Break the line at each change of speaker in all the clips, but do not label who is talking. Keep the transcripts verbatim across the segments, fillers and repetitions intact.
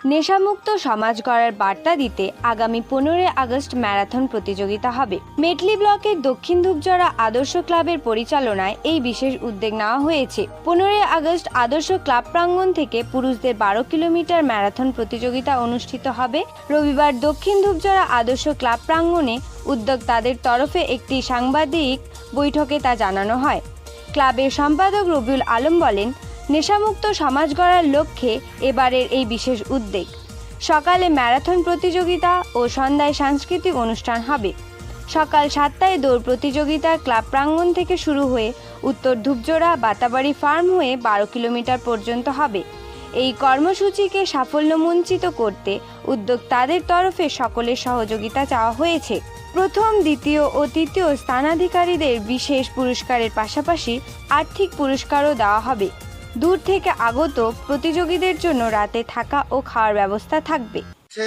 নেশামুক্ত সমাজ গড়ার বার্তা দিতে আগামী পনেরোই আগস্ট ম্যারাথন প্রতিযোগিতা হবে। মেটলি ব্লকের দক্ষিণ ধূপজড়া আদর্শ ক্লাবের পরিচালনায় এই বিশেষ উদ্যোগ নেওয়া হয়েছে। পনেরোই আগস্ট আদর্শ ক্লাব প্রাঙ্গণ থেকে পুরুষদের বারো কিলোমিটার ম্যারাথন প্রতিযোগিতা অনুষ্ঠিত হবে। রবিবার দক্ষিণ ধূপজড়া আদর্শ ক্লাব প্রাঙ্গণে উদ্যোক্তাদের তরফে একটি সাংবাদিক বৈঠকে তা জানানো হয়। ক্লাবের সম্পাদক রবিউল আলম বলেন, নেশামুক্ত সমাজ গড়ার লক্ষ্যে এবারের এই বিশেষ উদ্যোগ। সকালে ম্যারাথন প্রতিযোগিতা ও সন্ধ্যায় সাংস্কৃতিক অনুষ্ঠান হবে। সকাল সাতটায় দৌড় প্রতিযোগিতা ক্লাব প্রাঙ্গণ থেকে শুরু হয়ে উত্তর ধূপজড়া বাতাবাড়ি ফার্ম হয়ে বারো কিলোমিটার পর্যন্ত হবে। এই কর্মসূচিকে সাফল্যমণ্ডিত করতে উদ্যোক্তাদের তরফে সকলের সহযোগিতা চাওয়া হয়েছে। প্রথম, দ্বিতীয় ও তৃতীয় স্থানাধিকারীদের বিশেষ পুরস্কারের পাশাপাশি আর্থিক পুরস্কারও দেওয়া হবে। দূর থেকে আগত প্রতিযোগীদের জন্য রাতে থাকা ও খাওয়ার ব্যবস্থা থাকবে।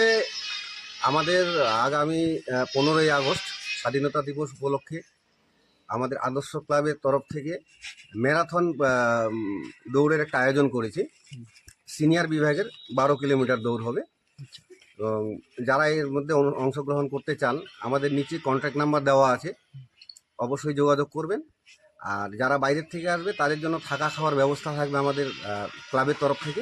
আমাদের আগামী পনেরোই আগস্ট স্বাধীনতা দিবস উপলক্ষে আমাদের আদর্শ ক্লাবের তরফ থেকে ম্যারাথন দৌড়ের একটা আয়োজন করেছি। সিনিয়র বিভাগের বারো কিলোমিটার দৌড় হবে এবং যারা এর মধ্যে অংশগ্রহণ করতে চান আমাদের নিচে কন্ট্যাক্ট নাম্বার দেওয়া আছে, অবশ্যই যোগাযোগ করবেন। আর যারা বাইরের থেকে আসবে তাদের জন্য থাকা খাওয়ার ব্যবস্থা থাকবে আমাদের ক্লাবের তরফ থেকে।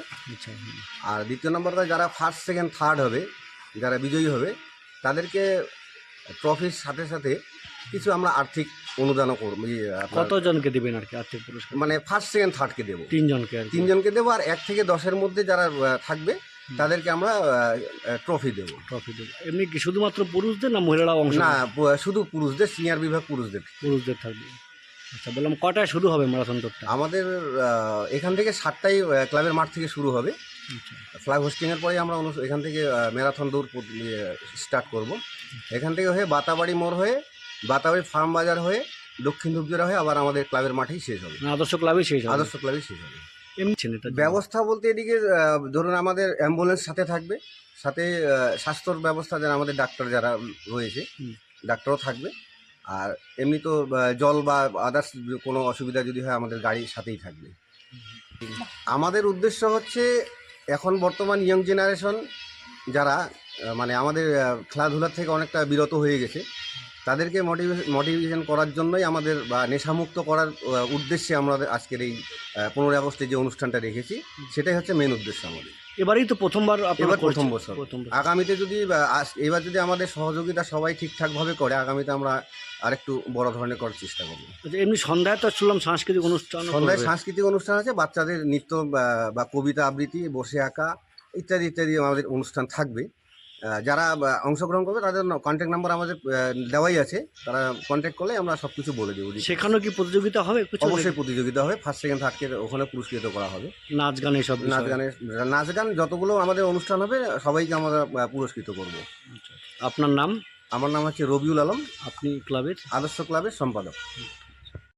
আর দ্বিতীয় নম্বরটা যারা ফার্স্ট সেকেন্ড থার্ড হবে, যারা বিজয়ী হবে তাদেরকে ট্রফির সাথে সাথে কিছু আমরা আর্থিক অনুদানও করবো।
কতজনকে দেবেন আর কি আর্থিক পুরস্কার?
মানে ফার্স্ট সেকেন্ড থার্ডকে দেবো,
তিনজনকে
তিনজনকে দেবো। আর এক থেকে দশের মধ্যে যারা থাকবে তাদেরকে আমরা ট্রফি দেবো।
ট্রফি দেবো এমনি কি শুধুমাত্র পুরুষদের না মহিলারাও অংশ?
না, শুধু পুরুষদের, সিনিয়র বিভাগ পুরুষদের
পুরুষদের থাকবে। আচ্ছা, বললাম কটায় শুরু হবে ম্যারাথন দৌড়টা?
আমাদের এখান থেকে সাতটায় ক্লাবের মাঠ থেকে শুরু হবে। ফ্ল্যাগ হোস্টিংয়ের পরে আমরা এখান থেকে ম্যারাথন দৌড় স্টার্ট করব। এখান থেকে হয়ে বাতাবাড়ি মোড় হয়ে বাতাবাড়ি ফার্ম বাজার হয়ে দক্ষিণ ধূপজড়া হয়ে আবার আমাদের ক্লাবের মাঠেই শেষ হবে।
আদর্শ ক্লাবেই শেষ হবে?
আদর্শ ক্লাবেই শেষ হবে।
এমনি
ব্যবস্থা বলতে এদিকে ধরুন আমাদের অ্যাম্বুলেন্স সাথে থাকবে, সাথে স্বাস্থ্যর ব্যবস্থা যারা আমাদের ডাক্তার যারা রয়েছে ডাক্তারও থাকবে। আর এমনি তো জল বা আদার্স কোনো অসুবিধা যদি হয় আমাদের গাড়ির সাথেই থাকবে। আমাদের উদ্দেশ্য হচ্ছে এখন বর্তমান ইয়ং জেনারেশন যারা মানে আমাদের খেলাধুলার থেকে অনেকটা বিরত হয়ে গেছে, তাদেরকে মোটিভেশন মোটিভেশন করার জন্যই আমাদের বা নেশামুক্ত করার উদ্দেশ্যে আমরা আজকের এই পনেরোই আগস্টে যে অনুষ্ঠানটা রেখেছি সেটাই হচ্ছে মেন উদ্দেশ্য আমাদের।
এবারেই তো প্রথমবার,
এবার প্রথম বছর। আগামীতে যদি এবার যদি আমাদের সহযোগিতা সবাই ঠিকঠাকভাবে করে আগামীতে আমরা আরেকটু বড় ধরনের করার চেষ্টা করবো।
এমনি সন্ধ্যায় তো শুনলাম সাংস্কৃতিক অনুষ্ঠান,
সন্ধ্যায় সাংস্কৃতিক অনুষ্ঠান আছে, বাচ্চাদের নৃত্য বা কবিতা আবৃত্তি, বসে আঁকা ইত্যাদি ইত্যাদি আমাদের অনুষ্ঠান থাকবে। যারা অংশগ্রহণ করবে তাদের কন্ট্যাক্ট নাম্বার আমাদের দেওয়াই আছে, তারা কন্ট্যাক্ট করলে আমরা সব কিছু বলে দেবো।
সেখানেও কি প্রতিযোগিতা হবে?
অবশ্যই প্রতিযোগিতা হবে, ফার্স্ট সেকেন্ড থার্ডকে ওখানে পুরস্কৃত করা হবে।
নাচ গান এসব
নাচ গানের নাচ গান যতগুলো আমাদের অনুষ্ঠান হবে সবাইকে আমরা পুরস্কৃত করবো।
আপনার নাম?
আমার নাম হচ্ছে রবিউল আলম।
আপনি ক্লাবের?
আদর্শ ক্লাবের সম্পাদক।